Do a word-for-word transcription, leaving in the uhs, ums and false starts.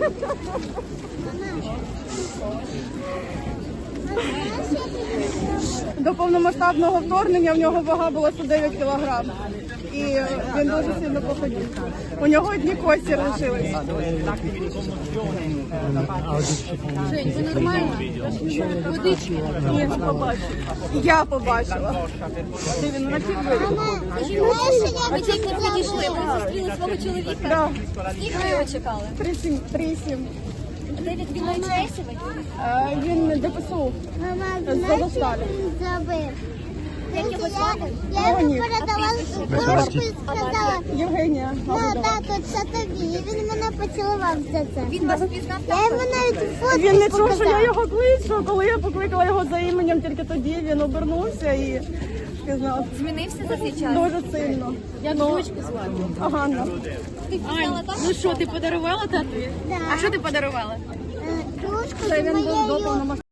До повномасштабного вторгнення в нього вага була сто дев'ять кілограм. І він дуже сильно походив. У нього одні кості лишились. Жень, ви нормально? Водички. Ні, не побачила. Я побачила. Де він раків вирішив? Ви тільки підійшли, ви зустріли свого чоловіка? Да. Скільки ви його чекали? Три сім. Три сім. Де він він навчається? Е, Він ДПСУ. З Азовсталі. Як його звати? Я йому Леонід. передала кружку і сказала, Євгенія. на тату, це тобі. І він мене поцілував за це. Він вас впізнав? Я йому навіть фото Він не чув, що я показала. його кличу. Коли я покликала його за іменем, тільки тоді він обернувся і сказав. Змінився за цей час? Дуже сильно. Як дочку звати? Ганна. Ти впізнала так? Ну що, ти подарувала тату? Да. А що ти подарувала? Е, Кружку Це з він був до моєю повномасштабного.